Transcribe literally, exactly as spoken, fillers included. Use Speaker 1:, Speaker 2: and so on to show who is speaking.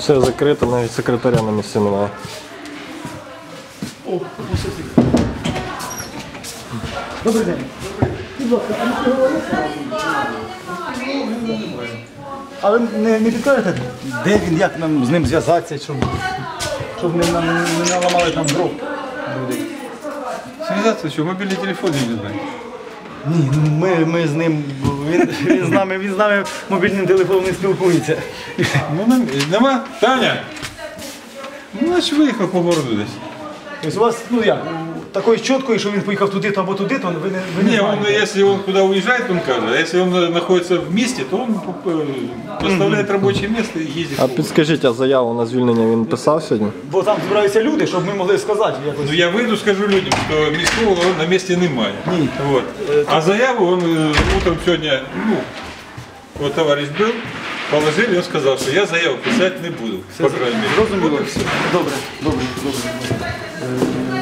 Speaker 1: Все закрито, навіть секретаря на місці немає.
Speaker 2: О, добрий день. Будь ласка, а ви говорите? А ви не, не підкажете, де він, як нам з ним зв'язатися, щоб, щоб не, нам- не наламали там дров?
Speaker 3: Связаться, что мобильный телефон я не знаю.
Speaker 2: Ні, ну ми, ми з ним, він, він, з нами, він з нами мобільним телефоном не спілкується.
Speaker 3: Ну, нам- нема? Таня? Ну, значит, виїхав по городу десь.
Speaker 2: Тобто у вас, ну як, такої чіткої, що він поїхав туди-то або туди-то, ви не, ви не
Speaker 3: Не, он,
Speaker 2: знаєте.
Speaker 3: если он куда уезжает, он скажет. А если он находится в месте, то он э, поставляет рабочее место и ездит.
Speaker 1: А
Speaker 3: по городу.
Speaker 1: підскажіть, а заяву на звільнення він писав сьогодні?
Speaker 2: Бо там збираються люди, щоб ми могли сказати якось.
Speaker 3: Ну, я выйду, скажу людям, что міського на месте немає.
Speaker 2: Ні.
Speaker 3: Вот. А заяву он э, утром сегодня, ну, вот товарищ был, положил, и он сказал, что я заяву писать не буду, по крайней мере.
Speaker 2: Зрозуміло.
Speaker 3: Вот и всё.
Speaker 2: Добре, добре, добре. Е,